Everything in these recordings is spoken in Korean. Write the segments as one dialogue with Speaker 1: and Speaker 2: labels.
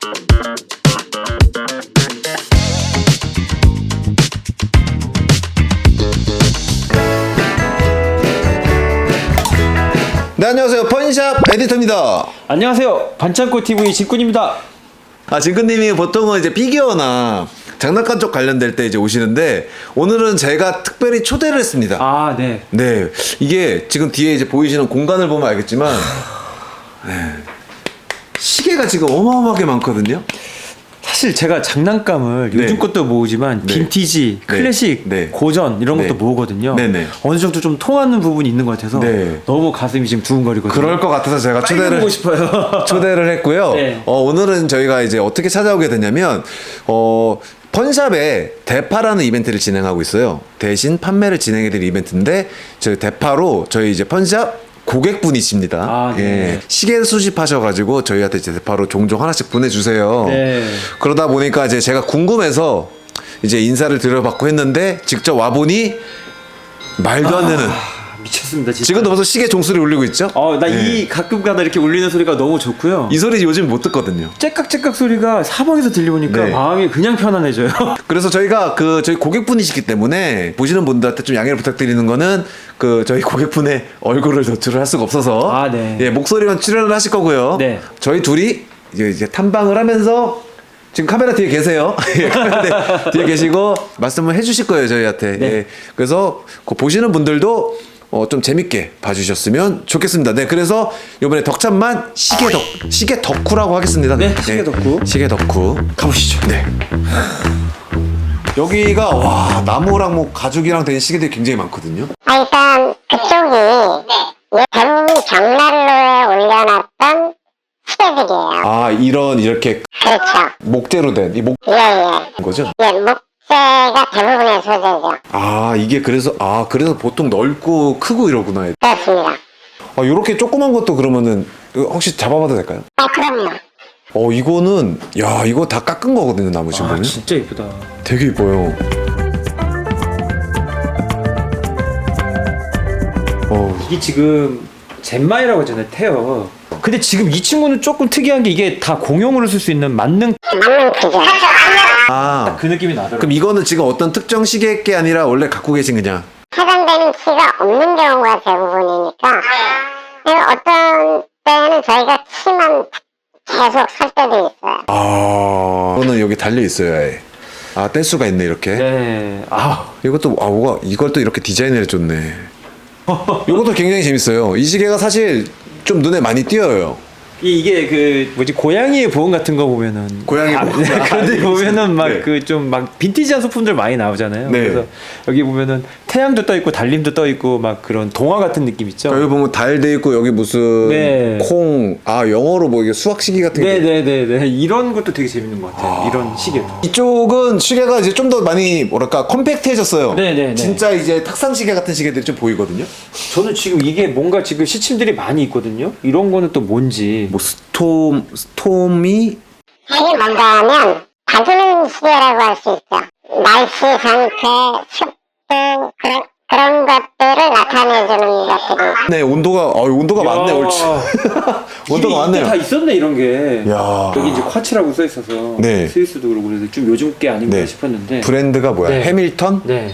Speaker 1: 네, 안녕하세요. 펀샵 에디터입니다.
Speaker 2: 안녕하세요. 반창고 TV 진꾼입니다.
Speaker 1: 진근님이 보통은 이제 피규어나 장난감 쪽 관련될 때 이제 오시는데, 오늘은 제가 특별히 초대를 했습니다.
Speaker 2: 아, 네.
Speaker 1: 네, 이게 지금 뒤에 이제 보이시는 공간을 보면 알겠지만, 네, 시계가 지금 어마어마하게 많거든요.
Speaker 2: 사실 제가 장난감을
Speaker 1: 네.
Speaker 2: 요즘 것도 모으지만
Speaker 1: 네.
Speaker 2: 빈티지,
Speaker 1: 네.
Speaker 2: 클래식,
Speaker 1: 네.
Speaker 2: 고전 이런 것도
Speaker 1: 네.
Speaker 2: 모으거든요.
Speaker 1: 네네.
Speaker 2: 어느 정도 좀 통하는 부분이 있는 것 같아서
Speaker 1: 네.
Speaker 2: 너무 가슴이 지금 두근거리거든요.
Speaker 1: 그럴 것 같아서 제가
Speaker 2: 빨리 보고 싶어요.
Speaker 1: 초대를 했고요.
Speaker 2: 네.
Speaker 1: 오늘은 저희가 이제 어떻게 찾아오게 됐냐면, 펀샵에 대파라는 이벤트를 진행하고 있어요. 대신 판매를 진행해드릴 이벤트인데, 저희 대파로 저희 이제 펀샵 고객분이십니다.
Speaker 2: 아, 네.
Speaker 1: 예. 시계 수집하셔가지고 저희한테 이제 대파로 종종 하나씩 보내주세요.
Speaker 2: 네.
Speaker 1: 그러다 보니까 이제 제가 궁금해서 이제 인사를 드려받고 했는데, 직접 와보니 말도 안 되는.
Speaker 2: 미쳤습니다, 진짜.
Speaker 1: 지금도 벌써 시계 종소리 울리고 있죠?
Speaker 2: 나 이
Speaker 1: 예.
Speaker 2: 가끔가다 이렇게 울리는 소리가 너무 좋고요.
Speaker 1: 이 소리 요즘 못 듣거든요.
Speaker 2: 째깍째깍 소리가 사방에서 들려오니까
Speaker 1: 네.
Speaker 2: 마음이 그냥 편안해져요.
Speaker 1: 그래서 저희가 저희 고객분이시기 때문에 보시는 분들한테 좀 양해를 부탁드리는 거는, 저희 고객분의 얼굴을 노출을 할 수가 없어서,
Speaker 2: 아, 네.
Speaker 1: 예, 목소리만 출연을 하실 거고요.
Speaker 2: 네.
Speaker 1: 저희 둘이 이제 탐방을 하면서, 지금 카메라 뒤에 계세요. 예, 카메라 뒤에 계시고 말씀을 해주실 거예요, 저희한테.
Speaker 2: 네.
Speaker 1: 예, 그래서 보시는 분들도 좀 재밌게 봐주셨으면 좋겠습니다. 네, 그래서 이번에 덕참만 시계 덕후라고 하겠습니다.
Speaker 2: 네, 시계 덕후.
Speaker 1: 시계 덕후 가보시죠. 네. 여기가 와, 나무랑 뭐 가죽이랑 된 시계들이 굉장히 많거든요.
Speaker 3: 일단 그쪽이 대부분 경난로에 올려놨던 시계들이에요.
Speaker 1: 아, 이렇게
Speaker 3: 그렇죠.
Speaker 1: 목재로 된 이
Speaker 3: 예.
Speaker 1: 거죠?
Speaker 3: 목재가 대부분의 소재죠.
Speaker 1: 아, 이게 그래서 보통 넓고 크고 이러구나.
Speaker 3: 그렇습니다.
Speaker 1: 요렇게 조그만 것도 그러면은 혹시 잡아봐도 될까요?
Speaker 3: 그럼요.
Speaker 1: 이거는 이거 다 깎은 거거든요, 나무 지금 보면.
Speaker 2: 진짜 예쁘다.
Speaker 1: 되게 이뻐요.
Speaker 2: 이게 지금 젠마이라고 하잖아요, 테어. 근데 지금 이 친구는 조금 특이한 게 이게 다 공용으로 쓸 수 있는 만능
Speaker 3: 기계.
Speaker 2: 그 느낌이 나더라고요.
Speaker 1: 그럼 이거는 지금 어떤 특정 시계게 아니라 원래 갖고 계신 그냥.
Speaker 3: 해당되는 키가 없는 경우가 대부분이니까 어떤 때는 저희가 키만 계속 살 때도 있어요.
Speaker 1: 이거는 여기 달려 있어요, 아예. 뗄 수가 있네, 이렇게.
Speaker 2: 네.
Speaker 1: 이것도 이걸 또 이렇게 디자인을 해줬네. 이것도 굉장히 재밌어요. 이 시계가 사실 좀 눈에 많이 띄어요.
Speaker 2: 이게 고양이의 보험 같은 거 보면은
Speaker 1: 고양이 보험.
Speaker 2: 그런데 보면은 막
Speaker 1: 네.
Speaker 2: 좀 빈티지한 소품들 많이 나오잖아요.
Speaker 1: 네.
Speaker 2: 그래서 여기 보면은 태양도 떠 있고 달림도 떠 있고 막 그런 동화 같은 느낌 있죠.
Speaker 1: 여기 보면 달 돼 있고, 여기 무슨
Speaker 2: 네.
Speaker 1: 콩, 영어로 뭐 이게 수학 시계 같은 게.
Speaker 2: 네네네. 이런 것도 되게 재밌는 것 같아요. 이런 시계도.
Speaker 1: 이쪽은 시계가 이제 좀 더 많이 뭐랄까 컴팩트해졌어요.
Speaker 2: 네네네.
Speaker 1: 진짜 이제 탁상 시계 같은 시계들이 좀 보이거든요.
Speaker 2: 저는 지금 이게 뭔가 지금 시침들이 많이 있거든요. 이런 거는 또 뭔지.
Speaker 1: 뭐 스톰이
Speaker 3: 이게 뭔가 하면 다루는 시계라고 할 수 있죠. 날씨 상태, 습도 그런 것들을 나타내주는 것들이.
Speaker 1: 네, 온도가 많네, 옳지. 온도가 많네요.
Speaker 2: 다 있었네 이런 게.
Speaker 1: 야.
Speaker 2: 여기 이제 쿼츠라고 써 있어서
Speaker 1: 네.
Speaker 2: 스위스도 그러고 그래서 좀 요즘 게 아닌가
Speaker 1: 네.
Speaker 2: 싶었는데.
Speaker 1: 브랜드가 뭐야?
Speaker 2: 네.
Speaker 1: 해밀턴?
Speaker 2: 네.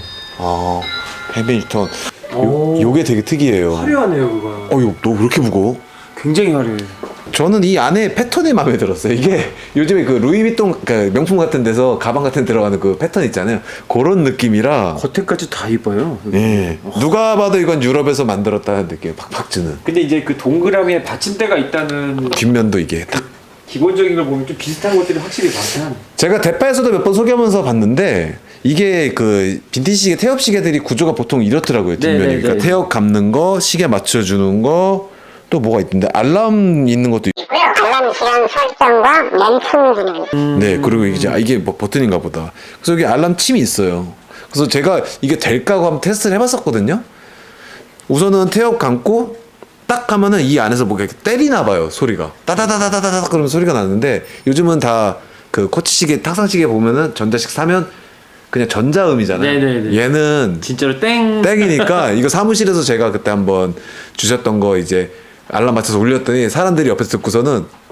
Speaker 1: 해밀턴.
Speaker 2: 오.
Speaker 1: 요게 되게 특이해요.
Speaker 2: 화려하네요 그거.
Speaker 1: 너 왜 이렇게 무거워?
Speaker 2: 굉장히 화려해.
Speaker 1: 저는 이 안에 패턴이 마음에 들었어요. 이게 요즘에 그 루이비통 명품 같은 데서 가방 같은 데 들어가는 그 패턴 있잖아요. 그런 느낌이라.
Speaker 2: 겉에까지 다 입어요.
Speaker 1: 예. 누가 봐도 이건 유럽에서 만들었다는 느낌 팍팍 주는.
Speaker 2: 근데 이제 그 동그라미에 받침대가 있다는
Speaker 1: 뒷면도 이게 딱.
Speaker 2: 기본적인 걸 보면 좀 비슷한 것들이 확실히 많긴.
Speaker 1: 제가 대파에서도 몇 번 소개하면서 봤는데, 이게 그 빈티지 시계 태엽 시계들이 구조가 보통 이렇더라고요. 뒷면이.
Speaker 2: 네네네.
Speaker 1: 그러니까 태엽 감는 거, 시계 맞춰주는 거, 또 뭐가 있던데 알람 있는 것도
Speaker 3: 있고요. 알람 시간 설정과 멘트 기능.
Speaker 1: 네, 그리고 이게 뭐 버튼인가 보다. 그래서 여기 알람 침이 있어요. 그래서 제가 이게 될까 하고 한번 테스트를 해봤었거든요. 우선은 태엽 감고 딱 하면은 이 안에서 뭐가 이렇게 때리나 봐요, 소리가. 따다다다다다다 그러면 소리가 나는데, 요즘은 다 그 코치시계, 탁상시계 보면은 전자식 사면 그냥 전자음이잖아요.
Speaker 2: 네네네.
Speaker 1: 얘는
Speaker 2: 진짜로
Speaker 1: 땡이니까 이거 사무실에서 제가 그때 한번 주셨던 거 이제 알람 맞춰서 올렸더니 사람들이 옆에서 듣고서는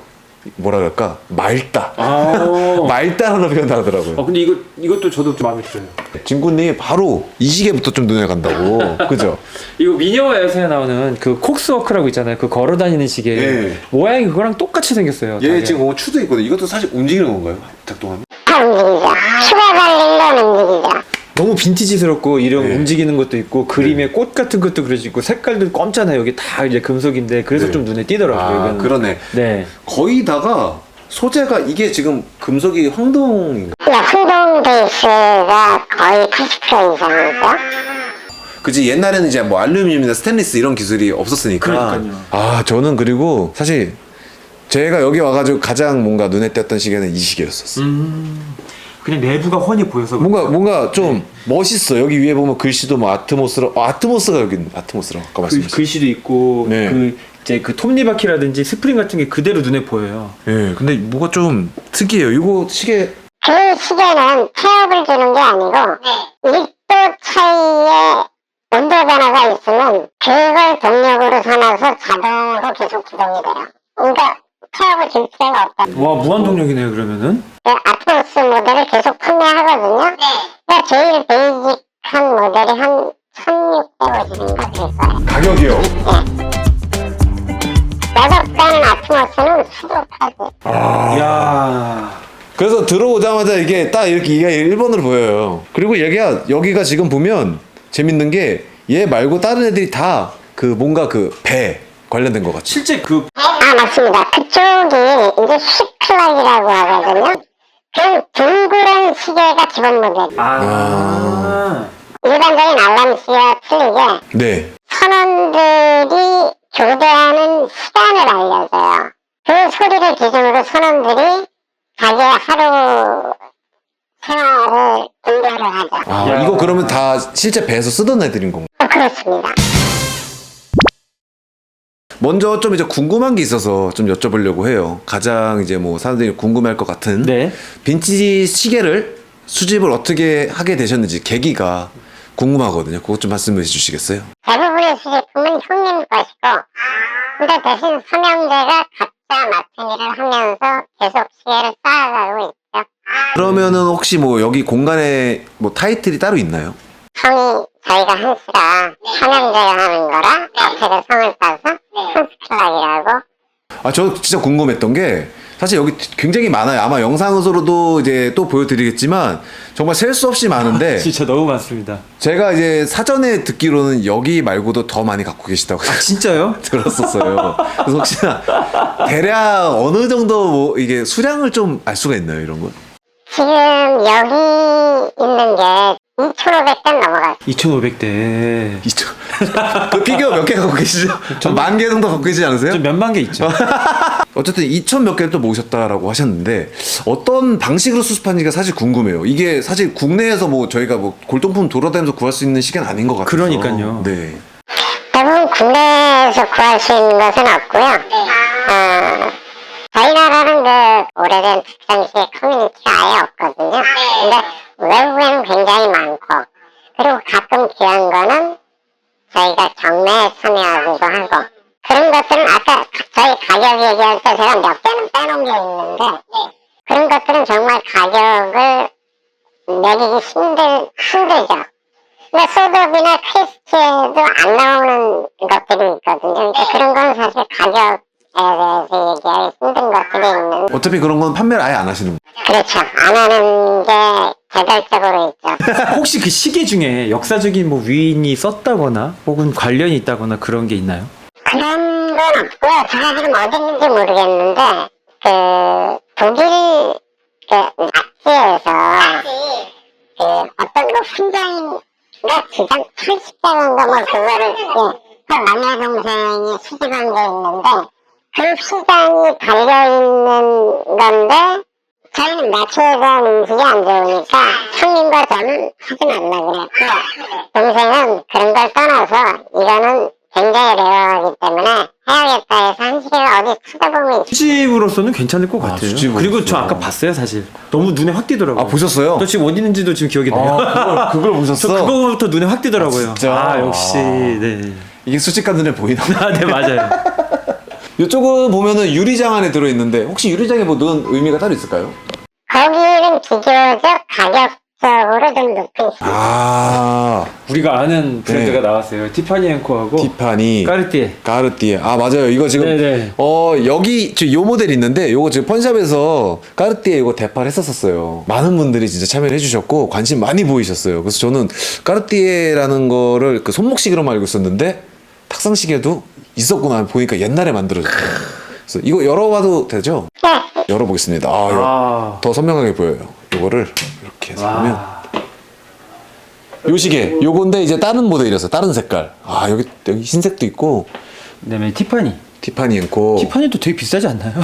Speaker 1: 뭐라 그럴까 맑다.
Speaker 2: 아.
Speaker 1: 맑다라는 표현을 하더라고요.
Speaker 2: 근데 이것도 저도 좀 마음에 들어요.
Speaker 1: 진구님이 바로 이 시계부터 좀 눈에 간다고. 그죠?
Speaker 2: 이거 미녀와 야수에 나오는 그 콕스워크라고 있잖아요. 그 걸어다니는 시계.
Speaker 1: 예.
Speaker 2: 모양이 그거랑 똑같이 생겼어요.
Speaker 1: 얘
Speaker 2: 다리가.
Speaker 1: 지금 추도 있거든. 이것도 사실 움직이는 건가요? 작동하면?
Speaker 3: 다 움직이죠. 추가 달린 건 움직이죠.
Speaker 2: 너무 빈티지스럽고 이런
Speaker 1: 네.
Speaker 2: 움직이는 것도 있고 그림에 꽃 같은 것도 그려져 있고 색깔도 검잖아요. 여기 다 이제 금속인데 그래서
Speaker 1: 네.
Speaker 2: 좀 눈에 띄더라고요.
Speaker 1: 아,
Speaker 2: 이거는.
Speaker 1: 그러네.
Speaker 2: 네.
Speaker 1: 거의 다가 소재가 이게 지금 금속이 황동인가?
Speaker 3: 흥동 베이스가 거의 80% 이상이죠.
Speaker 1: 그지 옛날에는 이제 뭐 알루미늄이나 스테인리스 이런 기술이 없었으니까.
Speaker 2: 그러니까요.
Speaker 1: 아 저는 그리고 사실 제가 여기 와가지고 가장 뭔가 눈에 띄었던 시계는 이 시계였었어요.
Speaker 2: 그냥 내부가 훤히 보여서
Speaker 1: 뭔가 좀 멋있어. 여기 위에 보면 글씨도 뭐 아트모스가 여기 있네. 아트모스라고 아까 말씀하셨죠.
Speaker 2: 글씨도 있고
Speaker 1: 네.
Speaker 2: 그 이제 그 톱니바퀴라든지 스프링 같은 게 그대로 눈에 보여요.
Speaker 1: 예, 근데 뭐가 좀 특이해요. 이거 시계
Speaker 3: 그 시계는 태엽을 주는 게 아니고 1도 차이의 온도 변화가 있으면 그걸 동력으로 삼아서 자동으로 계속 기동이 돼요. 그러니까 태엽을 줄 필요가 없다.
Speaker 2: 와 무한동력이네요 그러면은.
Speaker 3: 그 아트모스 모델을 계속 판매하거든요. 그러니까 제일 베이직한 모델이 한 1650인가 그랬어요.
Speaker 1: 가격이요.
Speaker 3: 여덟가는 아트모스는 수족하지.
Speaker 2: 이야.
Speaker 1: 그래서 들어오자마자 이게 딱 이렇게 이게 일본으로 보여요. 그리고 여기가 지금 보면 재밌는 게 얘 말고 다른 애들이 다 그 뭔가 그 배 관련된 것 같죠.
Speaker 2: 실제 그
Speaker 3: 아 맞습니다. 그쪽이 이제 시클락이라고 하거든요. 그 둥그런 시계가 기본 모델. 일반적인 알람 시계와 틀리게
Speaker 1: 네.
Speaker 3: 선원들이 교대하는 시간을 알려줘요. 그 소리를 기준으로 선원들이 자기의 하루 생활을 분배를 하죠.
Speaker 1: 아
Speaker 2: 야.
Speaker 1: 이거 그러면 다 실제 배에서 쓰던 애들인 건가?
Speaker 3: 그렇습니다.
Speaker 1: 먼저 좀 이제 궁금한 게 있어서 좀 여쭤보려고 해요. 가장 이제 뭐 사람들이 궁금해할 것 같은
Speaker 2: 네.
Speaker 1: 빈티지 시계를 수집을 어떻게 하게 되셨는지 계기가 궁금하거든요. 그것 좀 말씀해 주시겠어요?
Speaker 3: 대부분의 수제품은 형님 것이고, 근데 대신 삼형제가 각자 맡은 일을 하면서 계속 시계를 쌓아가고 있죠.
Speaker 1: 그러면은 혹시 뭐 여기 공간에 뭐 타이틀이 따로 있나요?
Speaker 3: 성이 저희가 한스가 삼형제가 하는 거라 앞에서 성을 따서 한스클락이라고.
Speaker 1: 아, 저 진짜 궁금했던 게 사실 여기 굉장히 많아요. 아마 영상으로도 이제 또 보여드리겠지만 정말 셀 수 없이 많은데
Speaker 2: 진짜 너무 많습니다.
Speaker 1: 제가 이제 사전에 듣기로는 여기 말고도 더 많이 갖고 계시다고
Speaker 2: 진짜요?
Speaker 1: 들었었어요. 그래서 혹시나 대략 어느 정도 뭐 이게 수량을 좀 알 수가 있나요, 이런 건?
Speaker 3: 지금 여기 있는 게 2,500대 넘어갔어요.
Speaker 2: 2,500대.
Speaker 1: 그 피규어 몇 개 갖고 계시죠? 전 10,000개 정도 갖고 계시지 않으세요?
Speaker 2: 좀 몇만 개 있죠.
Speaker 1: 어쨌든 2,000 몇 개를 또 모으셨다라고 하셨는데 어떤 방식으로 수습하는지가 사실 궁금해요. 이게 사실 국내에서 뭐 저희가 뭐 골동품 돌아다니면서 구할 수 있는 시계는 아닌 것 같아서.
Speaker 2: 그러니까요.
Speaker 1: 네.
Speaker 3: 대부분 국내에서 구할 수 있는 것은 없고요. 저희 나라는 그 오래된 특정시계 커뮤니티가 아예 없거든요. 근데 외국에는 굉장히 많고, 그리고 가끔 귀한 거는 저희가 경매에 참여하기도 하고, 그런 것들은 아까 저희 가격 얘기할 때 제가 몇 개는 빼놓은 게 있는데, 그런 것들은 정말 가격을 매기기 힘들죠. 근데 소드업이나 퀘스트에도 안 나오는 것들이 있거든요. 그러니까 그런 건 사실 가격에 대해서 얘기하기 힘든 것들이 있는.
Speaker 1: 어차피 그런 건 판매를 아예 안 하시는 거예요.
Speaker 3: 그렇죠. 안 하는 게 개별적으로 있죠.
Speaker 2: 혹시 그 시계 중에 역사적인 뭐 위인이 썼다거나 혹은 관련이 있다거나 그런 게 있나요?
Speaker 3: 그런 건 없고요. 제가 지금 어디 있는지 모르겠는데, 독일 낙지에서 어떤 훈장인가 주장 80대인가 뭐 그거를 그 남의 동생이 수집한 게 있는데, 그 훈장이 달려있는 건데, 저희는 매출과 음식이 안 좋으니까 형님과 저는 하지 말라 그랬고, 동생은 그런 걸 떠나서 이거는 굉장히 레어하기 때문에 해야겠다 해서 한 시계를 어디 찾아보면
Speaker 2: 수집으로서는 괜찮을 것 같아요.
Speaker 1: 수집으로서.
Speaker 2: 그리고 저 아까 봤어요 사실. 너무 눈에 확 띄더라고요.
Speaker 1: 아, 보셨어요?
Speaker 2: 저 지금 어디 있는지도 지금 기억이 나요.
Speaker 1: 그걸 보셨어?
Speaker 2: 저 그거부터 눈에 확 띄더라고요.
Speaker 1: 아, 진짜?
Speaker 2: 역시 네.
Speaker 1: 이게 수집가 눈에 보이나?
Speaker 2: 아, 네 맞아요.
Speaker 1: 이쪽은 보면은 유리장 안에 들어있는데 혹시 유리장에 뭐 넣은 의미가 따로 있을까요?
Speaker 3: 거기는 비교적 가격적으로 좀 높은 시계.
Speaker 1: 아,
Speaker 2: 우리가 아는 브랜드가
Speaker 1: 네.
Speaker 2: 나왔어요. 티파니 앤코하고
Speaker 1: 티파니,
Speaker 2: 까르띠에.
Speaker 1: 까르띠에. 아, 맞아요. 이거 지금
Speaker 2: 네네.
Speaker 1: 여기 지금 요 모델 있는데 요거 지금 펀샵에서 까르띠에 이거 대파를 했었어요. 많은 분들이 진짜 참여를 해주셨고 관심 많이 보이셨어요. 그래서 저는 까르띠에라는 거를 그 손목시계로만 알고 있었는데 탁상시계도 있었구나 보니까 옛날에 만들어졌어요. 그래서 이거 열어봐도 되죠?
Speaker 3: 네.
Speaker 1: 열어보겠습니다.
Speaker 2: 아.
Speaker 1: 더 선명하게 보여요. 요거를 이렇게 해서 보면
Speaker 2: 와.
Speaker 1: 요 시계 요건데 이제 다른 모델이라서 다른 색깔. 아, 여기 흰색도 있고
Speaker 2: 그다음에 티파니.
Speaker 1: 티파니 앤코.
Speaker 2: 티파니도 되게 비싸지 않나요?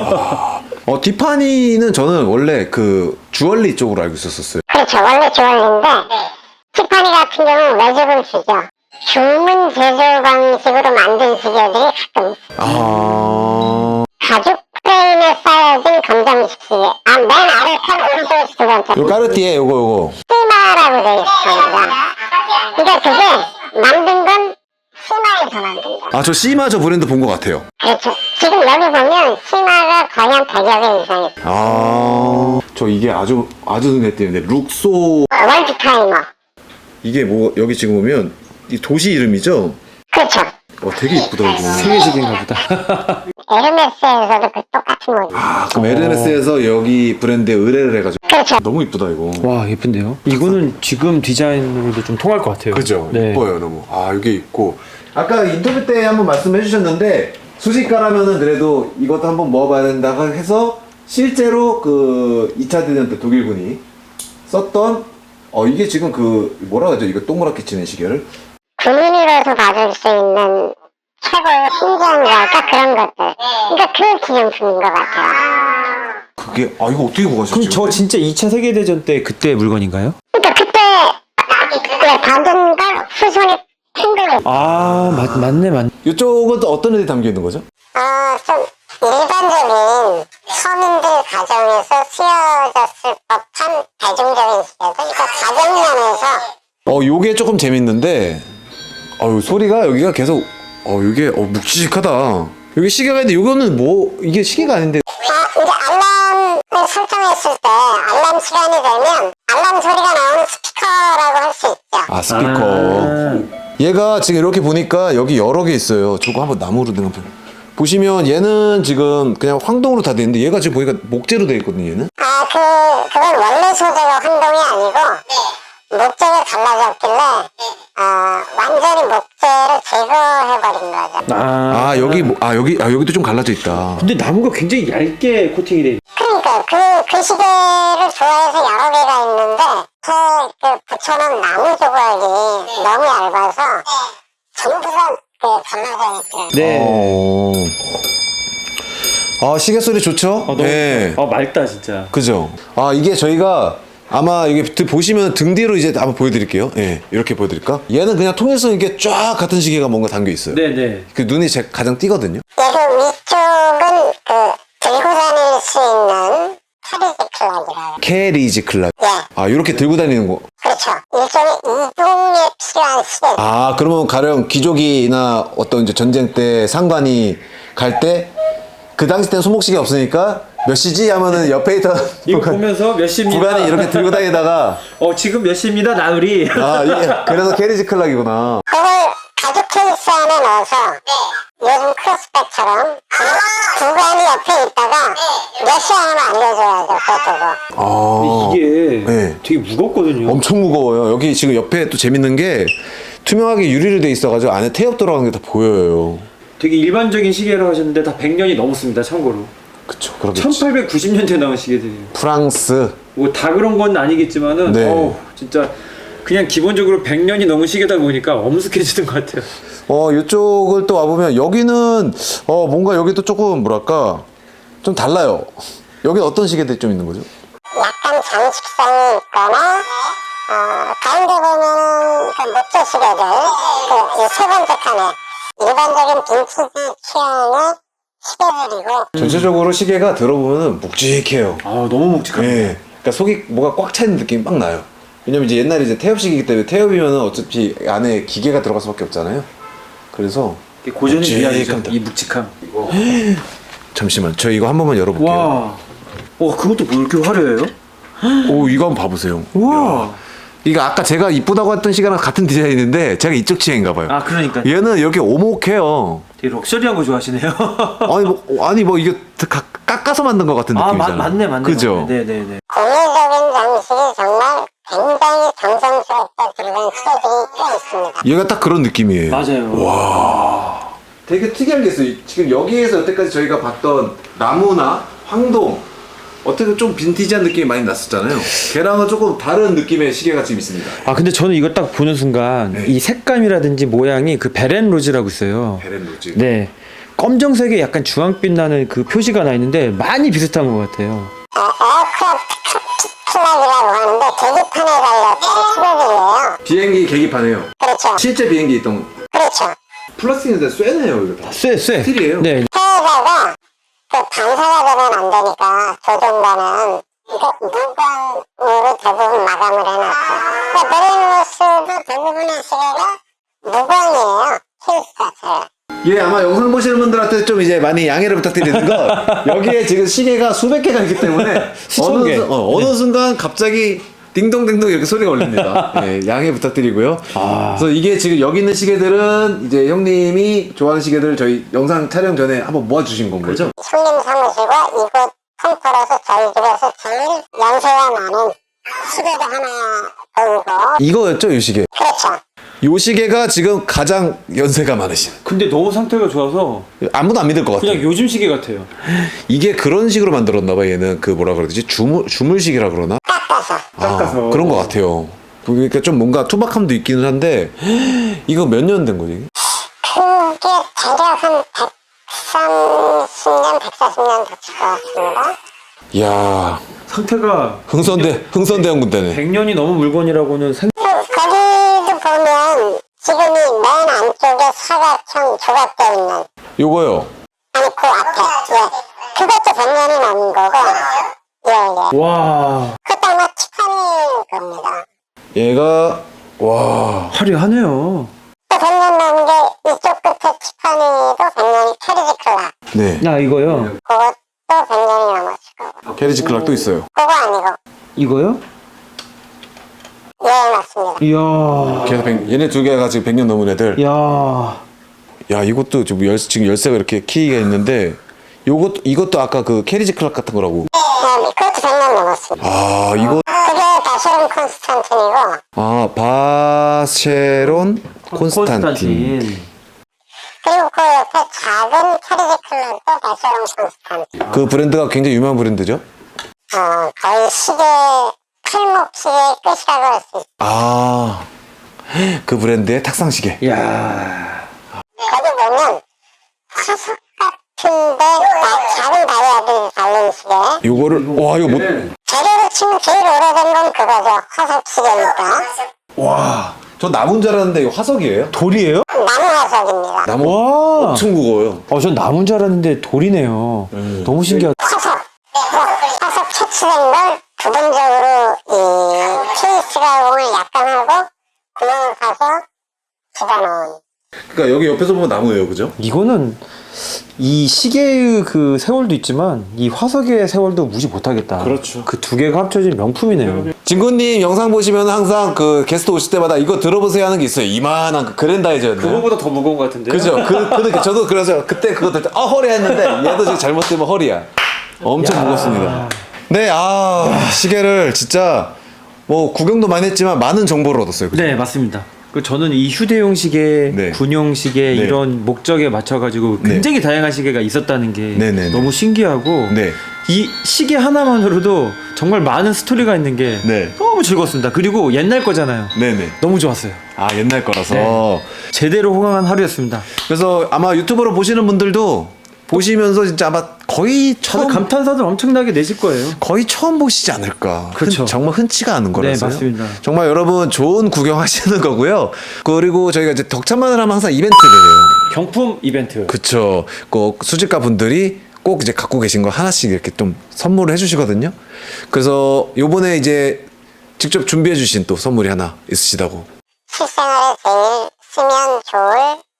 Speaker 1: 티파니는 저는 원래 그 주얼리 쪽으로 알고 있었어요.
Speaker 3: 그렇죠. 원래 주얼리인데 티파니 같은 경우는 외주를 주죠. 주문 제조 방식으로 만든 시계들이 가끔 있어요.
Speaker 1: 아,
Speaker 3: 가죽 프레임에 쌓여진 검정식 시계. 맨 아래 칸 오른쪽 두 번째.
Speaker 1: 요 까르띠에 요거.
Speaker 3: 시마라고 되어 있습니다. 그러니까 그게 만든 건 시마에서 만든 거.
Speaker 1: 아, 저 시마 저 브랜드 본 것 같아요.
Speaker 3: 그렇죠. 지금 여기 보면 시마가 거의 한 100여 개 이상 있어요.
Speaker 1: 아, 저 이게 아주 눈에 띄는데 룩소.
Speaker 3: 월드 타이머.
Speaker 1: 이게 뭐 여기 지금 보면 이 도시 이름이죠?
Speaker 3: 그렇죠.
Speaker 1: 되게 이쁘다 이거.
Speaker 2: 세계식인가 보다.
Speaker 3: 에르메스에서도 그 똑같은 모델.
Speaker 1: 아, 그럼 에르메스에서 여기 브랜드에 의뢰를 해가지고.
Speaker 3: 그렇죠.
Speaker 1: 너무 이쁘다 이거.
Speaker 2: 와, 예쁜데요? 이거는 지금 디자인으로도 좀 통할 것 같아요.
Speaker 1: 그죠?
Speaker 2: 네.
Speaker 1: 이뻐요 너무. 아, 이게 있고. 아까 인터뷰 때 한번 말씀해 주셨는데 수식가라면은 그래도 이것도 한번 먹어봐야 된다 해서 실제로 그 2차 대전 때 독일군이 썼던 이게 지금 그 뭐라 그러죠? 이거 동그랗게 치는 시계를.
Speaker 3: 군인으로서 받을 수 있는 최고의 훈장이랄까 그런 것들. 그러니까 그 기념품인 것 같아요.
Speaker 1: 그게 이거 어떻게 구하셨지?
Speaker 2: 그럼 저 진짜 2차 세계대전 때 그때 물건인가요?
Speaker 3: 그러니까 그때 받은 걸 후손이 핑글을
Speaker 2: 맞네.
Speaker 1: 이쪽은 또 어떤 애들이 담겨 있는 거죠?
Speaker 3: 좀 일반적인 서민들 가정에서 쓰여졌을 법한 대중적인 시계들. 그러니까 가정면에서
Speaker 1: 요게 조금 재밌는데 소리가 여기가 계속 이게 묵직하다. 여기 시계가 있는데 이거는 뭐 이게 시계가 아닌데
Speaker 3: 이제 알람을 설정했을 때 알람 시간이 되면 알람 소리가 나오는 스피커라고 할 수 있죠.
Speaker 1: 스피커. 얘가 지금 이렇게 보니까 여기 여러 개 있어요. 저거 한번 나무로 된 거 보시면 얘는 지금 그냥 황동으로 다 돼 있는데 얘가 지금 보니까 목재로 돼 있거든요. 얘는.
Speaker 3: 그건 원래 소재가 황동이 아니고 목재가 달라졌길래 완전히 목재를 제거해버린 거죠.
Speaker 1: 여기도 좀 갈라져 있다.
Speaker 2: 근데 나무가 굉장히 얇게 코팅이 돼.
Speaker 3: 그러니까 그 시계를 좋아해서 여러 개가 있는데 그 붙여놓은 나무 조각이 너무 얇아서 전부 다 갈라져 있어요.
Speaker 2: 네.
Speaker 1: 시계 소리 좋죠?
Speaker 2: 너무
Speaker 1: 네.
Speaker 2: 맑다 진짜.
Speaker 1: 그죠? 이게 저희가 아마 이게 보시면 등 뒤로 이제 한번 보여드릴게요. 예, 이렇게 보여드릴까? 얘는 그냥 통일성 있게 쫙 같은 시계가 뭔가 담겨 있어요.
Speaker 2: 네네.
Speaker 1: 그 눈이 가장 띄거든요.
Speaker 3: 얘그 위쪽은 들고 다닐 수 있는 캐리지 클락이라고.
Speaker 1: 캐리지 클락.
Speaker 3: 예.
Speaker 1: 이렇게 들고 다니는 거.
Speaker 3: 그렇죠. 일종의 이동에 필요한 시계.
Speaker 1: 그러면 가령 귀족이나 어떤 이제 전쟁 때 상관이 갈 때 그 당시 때는 손목시계 없으니까 몇 시지 하면은 옆에 있던
Speaker 2: 이거 보면서 몇 시입니다.
Speaker 1: 구간이 이렇게 들고 다니다가
Speaker 2: 지금 몇 시입니다 나으리.
Speaker 1: 이게 그래서 캐리지 클락이구나.
Speaker 3: 그걸 가죽 케이스 안에 넣어서 요즘 크로스백처럼 구간이 옆에 있다가 몇 시 하면 알려줘야죠. 그거.
Speaker 2: 근데 이게
Speaker 1: 네.
Speaker 2: 되게 무겁거든요.
Speaker 1: 엄청 무거워요. 여기 지금 옆에 또 재밌는 게 투명하게 유리로 돼 있어가지고 안에 태엽 들어간 게 다 보여요.
Speaker 2: 되게 일반적인 시계라고 하셨는데 다 100년이 넘었습니다. 참고로.
Speaker 1: 그쵸, 그렇겠지.
Speaker 2: 1890년대 나온 시계들이에요.
Speaker 1: 프랑스.
Speaker 2: 뭐 다 그런 건 아니겠지만은
Speaker 1: 네.
Speaker 2: 진짜 그냥 기본적으로 100년이 넘은 시계다 보니까 엄숙해지는 것 같아요.
Speaker 1: 이쪽을 또 와보면 여기는 뭔가 여기도 조금 뭐랄까 좀 달라요. 여기 어떤 시계들이 좀 있는 거죠?
Speaker 3: 약간 장식성이 있거나 가운데 보면은 그 목재 시계들 세 번째 칸에 일반적인 빈티지 취향의 시계들이고
Speaker 1: 전체적으로 시계가 들어보면 묵직해요.
Speaker 2: 너무 묵직합니다.
Speaker 1: 예. 그러니까 속이 뭐가 꽉 차 있는 느낌이 막 나요. 왜냐면 이제 태엽식이기 때문에 태엽이면은 어차피 안에 기계가 들어갈 수밖에 없잖아요. 그래서
Speaker 2: 고전의 미학이죠.
Speaker 1: 묵직합니다.
Speaker 2: 이 묵직함.
Speaker 1: 잠시만, 저 이거 한 번만 열어볼게요.
Speaker 2: 와. 그것도 뭐 이렇게 화려해요?
Speaker 1: 오, 이거 한번 봐보세요.
Speaker 2: 와.
Speaker 1: 야. 이거 아까 제가 이쁘다고 했던 시계랑 같은 디자인인데 제가 이쪽 취향인가 봐요.
Speaker 2: 아, 그러니까.
Speaker 1: 얘는 이렇게 오목해요.
Speaker 2: 되게 럭셔리한 거 좋아하시네요.
Speaker 1: 아니 뭐 이게 깎아서 만든 것 같은 느낌이잖아요.
Speaker 2: 맞네.
Speaker 1: 그죠?
Speaker 2: 네네네.
Speaker 3: 공예적인 장식이 정말 굉장히 정성스럽게 들어간 시계들이 꽤 있습니다.
Speaker 1: 얘가 딱 그런 느낌이에요.
Speaker 2: 맞아요.
Speaker 1: 되게 특이한 게 있어요. 지금 여기에서 여태까지 저희가 봤던 나무나 황동 어떻게 좀 빈티지한 느낌이 많이 났었잖아요. 걔랑은 조금 다른 느낌의 시계가 지금 있습니다.
Speaker 2: 아, 근데 저는 이걸 딱 보는 순간
Speaker 1: 네.
Speaker 2: 이 색감이라든지 모양이 그 베렌 로즈라고 있어요.
Speaker 1: 베렌 로즈.
Speaker 2: 네. 검정색에 약간 주황빛 나는 그 표시가 나 있는데 많이 비슷한 것 같아요.
Speaker 3: 에어크래프트 플락이라고 하는데 계기판에 달렸던 시계들이에요.
Speaker 1: 비행기 계기판에요.
Speaker 3: 그렇죠.
Speaker 1: 실제 비행기 있던
Speaker 3: 그렇죠.
Speaker 1: 플라스틱인데 쇠네요 이거 다.
Speaker 2: 쎄.
Speaker 1: 스틸이에요.
Speaker 2: 네.
Speaker 3: 해외사가 그 반사가 되면 안 되니까 조종반은 이거 무광으로 대부분 마감을 해놨고 베렌로스도 대부분의 시계가 무광이에요. 힐스 자체가.
Speaker 1: 예, 아마 영상 보시는 분들한테 좀 이제 많이 양해를 부탁드리는 거 여기에 지금 시계가 수백 개가 있기 때문에
Speaker 2: 수천 개.
Speaker 1: 어느 순간 갑자기 딩동댕동 이렇게 소리가 울립니다. 예, 양해 부탁드리고요. 그래서 이게 지금 여기 있는 시계들은 이제 형님이 좋아하는 시계들을 저희 영상 촬영 전에 한번 모아주신 건 거죠?
Speaker 3: 손님 사무실과 이곳 컴퓨터에서 저희 집에서 제일 연세가 많은 시계도 하나 보이고
Speaker 1: 이거였죠, 이 시계.
Speaker 3: 그렇죠.
Speaker 1: 이 시계가 지금 가장 연세가 많으신.
Speaker 2: 근데 너무 상태가 좋아서
Speaker 1: 아무도 안 믿을 것 같아요.
Speaker 2: 그냥 요즘 시계 같아요.
Speaker 1: 이게 그런 식으로 만들었나 봐. 얘는 그 뭐라 그러지? 주물시계라 그러나?
Speaker 2: 깎아서.
Speaker 1: 그런 것 같아요. 그러니까 좀 뭔가 투박함도 있기는 한데 이거 몇 년 된 거지?
Speaker 3: 그게 대략 한 130년, 140년 됐을 것 같습니다.
Speaker 1: 이야,
Speaker 2: 상태가
Speaker 1: 흥선대원 군대네.
Speaker 2: 100년이 넘은 물건이라고는
Speaker 3: 거기도 보면 지금이 맨 안쪽에 사각형 조각되어 있는
Speaker 1: 요거요.
Speaker 3: 아니 그 앞에 그것도 100년이 넘은 거고 예.
Speaker 2: 와,
Speaker 3: 그것도 아마 티파니 겁니다.
Speaker 1: 얘가 와.
Speaker 2: 화려하네요.
Speaker 3: 또 100년 넘은 게 이쪽 끝에 티파니도 100년이 캐리지 클락
Speaker 1: 네.
Speaker 2: 야, 이거요.
Speaker 3: 그것도 100년이 넘었을 거고
Speaker 1: 캐리지 클락도 있어요.
Speaker 3: 그거 아니고
Speaker 2: 이거요?
Speaker 3: 예 맞습니다.
Speaker 2: 이야.
Speaker 1: 걔가 얘네 두 개가 지금 100년 넘은 애들.
Speaker 2: 야.
Speaker 1: 야, 이것도 지금 열쇠가 이렇게 키가 있는데 이것도 아까 그 캐리지 클락 같은 거라고.
Speaker 3: 네, 그것도 100년 넘었습니다.
Speaker 1: 아, 이거
Speaker 3: 그게 바쉐론 콘스탄틴이고
Speaker 1: 바쉐론 콘스탄틴.
Speaker 3: 그리고 그 옆에 작은 캐리지 클락도 바쉐론 콘스탄틴.
Speaker 1: 그 브랜드가 굉장히 유명한 브랜드죠?
Speaker 3: 거의 시계 팔목 시계의 끝이라고 할 수 있어요.
Speaker 1: 아, 그 브랜드의 탁상 시계.
Speaker 2: 야.
Speaker 3: 거기 보면 화석 같은데 작은 다이아들이 달린 시계.
Speaker 1: 요거를 와, 이거 못.
Speaker 3: 재료로 치면 제일 오래된 건 그거죠. 화석 시계니까.
Speaker 1: 와, 저 나무인 줄 알았는데 이거 화석이에요?
Speaker 2: 돌이에요?
Speaker 3: 나무 화석입니다.
Speaker 1: 나무
Speaker 2: 와.
Speaker 1: 엄청 무거워요.
Speaker 2: 전 나무인 줄 알았는데 돌이네요. 너무 신기하다.
Speaker 3: 화석 채취된 걸 부분적으로 이 케이스 가공을 약간 하고 구멍을 파서 집어넣은.
Speaker 1: 그러니까 여기 옆에서 보면 나무예요, 그죠?
Speaker 2: 이거는 이 시계의 그 세월도 있지만 이 화석의 세월도 무시 못하겠다.
Speaker 1: 그렇죠.
Speaker 2: 그 두 개가 합쳐진 명품이네요.
Speaker 1: 진구님 영상 보시면 항상 그 게스트 오실 때마다 이거 들어보세요 하는 게 있어요. 이만한 그 그랜다이저였나요?
Speaker 2: 그거보다 더 무거운 것 같은데요?
Speaker 1: 그죠? 저도 그래서 그때 그거 들때 허리 했는데 얘도 지금 잘못 들면 허리야. 엄청 무겁습니다. 네, 시계를 진짜 뭐 구경도 많이 했지만 많은 정보를 얻었어요. 그죠?
Speaker 2: 네, 맞습니다. 저는 이 휴대용 시계,
Speaker 1: 네.
Speaker 2: 군용 시계
Speaker 1: 네.
Speaker 2: 이런 목적에 맞춰가지고
Speaker 1: 네.
Speaker 2: 굉장히 다양한 시계가 있었다는 게
Speaker 1: 네네네.
Speaker 2: 너무 신기하고
Speaker 1: 네.
Speaker 2: 이 시계 하나만으로도 정말 많은 스토리가 있는 게
Speaker 1: 네.
Speaker 2: 너무 즐거웠습니다. 그리고 옛날 거잖아요.
Speaker 1: 네네.
Speaker 2: 너무 좋았어요.
Speaker 1: 아, 옛날 거라서.
Speaker 2: 네. 제대로 호강한 하루였습니다.
Speaker 1: 그래서 아마 유튜브로 보시는 분들도 보시면서 진짜 아마 거의
Speaker 2: 다들
Speaker 1: 처음
Speaker 2: 감탄사들 엄청나게 내실 거예요.
Speaker 1: 거의 처음 보시지 않을까.
Speaker 2: 그렇죠.
Speaker 1: 정말 흔치가 않은 거라서요.
Speaker 2: 네, 맞습니다.
Speaker 1: 정말 여러분 좋은 구경하시는 거고요. 그리고 저희가 이제 덕참만을 하면 항상 이벤트를 해요.
Speaker 2: 경품 이벤트.
Speaker 1: 그쵸. 꼭 수집가 분들이 꼭 이제 갖고 계신 거 하나씩 이렇게 좀 선물을 해주시거든요. 그래서 요번에 이제 직접 준비해주신 또 선물이 하나 있으시다고.
Speaker 3: 실생활에 제일 쓰면 좋을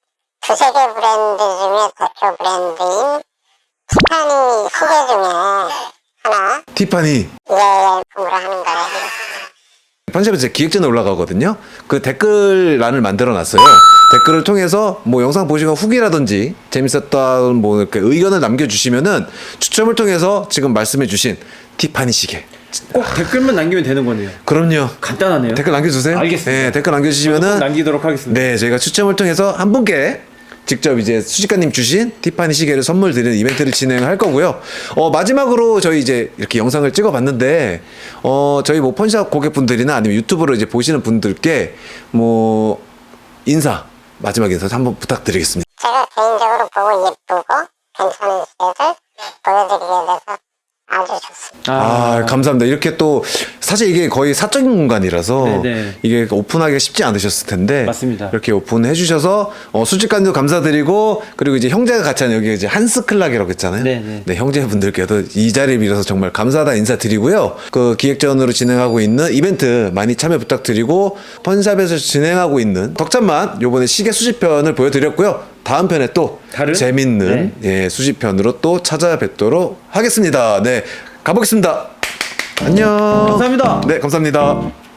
Speaker 3: 두세 개 브랜드 중에 대표 브랜드인 티파니 시계 중에 하나
Speaker 1: 티파니.
Speaker 3: 예, 품으로 하는 거예요.
Speaker 1: 편집에 제 기획전에 올라가거든요. 그 댓글란을 만들어 놨어요. 댓글을 통해서 뭐 영상 보시고 후기라든지 재밌었던 뭐 이렇게 의견을 남겨주시면은 추첨을 통해서 지금 말씀해주신 티파니 시계.
Speaker 2: 꼭 댓글만 남기면 되는 거네요.
Speaker 1: 그럼요.
Speaker 2: 간단하네요.
Speaker 1: 댓글 남겨주세요.
Speaker 2: 알겠습니다.
Speaker 1: 네, 댓글
Speaker 2: 꼭
Speaker 1: 남겨주시면은
Speaker 2: 남기도록 하겠습니다.
Speaker 1: 네, 저희가 추첨을 통해서 한 분께 직접 이제 수집가님 주신 티파니 시계를 선물 드리는 이벤트를 진행할 거고요. 마지막으로 저희 이제 이렇게 영상을 찍어봤는데, 저희 뭐 펀샵 고객분들이나 아니면 유튜브로 이제 보시는 분들께 뭐 마지막 인사 한번 부탁드리겠습니다.
Speaker 3: 제가 개인적으로 보고 예쁘고 괜찮은 시계를 보여드리게 돼서 아주 좋습니다.
Speaker 1: 감사합니다. 이렇게 또 사실 이게 거의 사적인 공간이라서
Speaker 2: 네네.
Speaker 1: 이게 오픈하기가 쉽지 않으셨을 텐데
Speaker 2: 맞습니다.
Speaker 1: 이렇게 오픈해 주셔서 수집관도 감사드리고 그리고 이제 형제가 같이 하는 여기 이제 한스클락이라고 했잖아요.
Speaker 2: 네네.
Speaker 1: 네, 형제분들께도 이 자리를 빌어서 정말 감사하다 인사드리고요. 그 기획전으로 진행하고 있는 이벤트 많이 참여 부탁드리고 펀샵에서 진행하고 있는 덕찬만 요번에 시계 수집편을 보여드렸고요. 다음 편에 또
Speaker 2: 다른?
Speaker 1: 재밌는 예, 수집편으로 또 찾아뵙도록 하겠습니다. 네, 가보겠습니다. 안녕.
Speaker 2: 감사합니다.
Speaker 1: 네, 감사합니다.